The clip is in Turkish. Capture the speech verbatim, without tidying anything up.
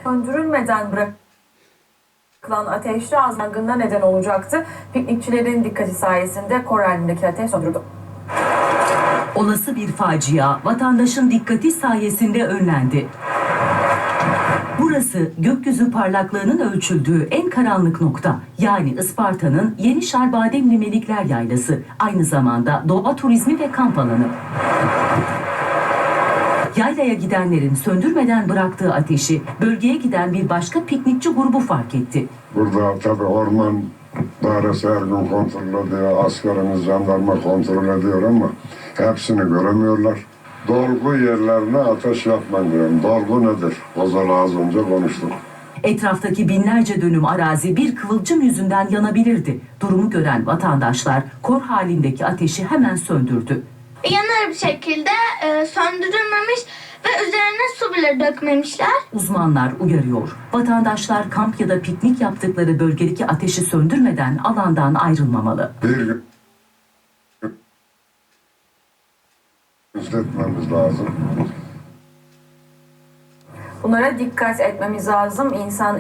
söndürülmeden bırakılan ateşli yangına neden olacaktı. Piknikçilerin dikkati sayesinde kor halindeki ateş söndürüldü. Olası bir facia vatandaşın dikkati sayesinde önlendi. Burası gökyüzü parlaklığının ölçüldüğü en karanlık nokta. Yani Isparta'nın Yeni Şarbademli Melikler Yaylası. Aynı zamanda doğa turizmi ve kamp alanı. Yaylaya gidenlerin söndürmeden bıraktığı ateşi bölgeye giden bir başka piknikçi grubu fark etti. Burada tabii orman dairesi her gün kontrol ediyor, askerimiz, jandarma kontrol ediyor ama hepsini göremiyorlar. Dolgu yerlerine ateş yapmayın diyorum. Dolgu nedir? Ozal'ı az önce konuştuk. Etraftaki binlerce dönüm arazi bir kıvılcım yüzünden yanabilirdi. Durumu gören vatandaşlar kor halindeki ateşi hemen söndürdü. Yanar bir şekilde e, söndürülmemiş ve üzerine su bile dökmemişler. Uzmanlar uyarıyor. Vatandaşlar kamp ya da piknik yaptıkları bölgedeki ateşi söndürmeden alandan ayrılmamalı. Bir gün etmemiz lazım. Bunlara dikkat etmemiz lazım. İnsan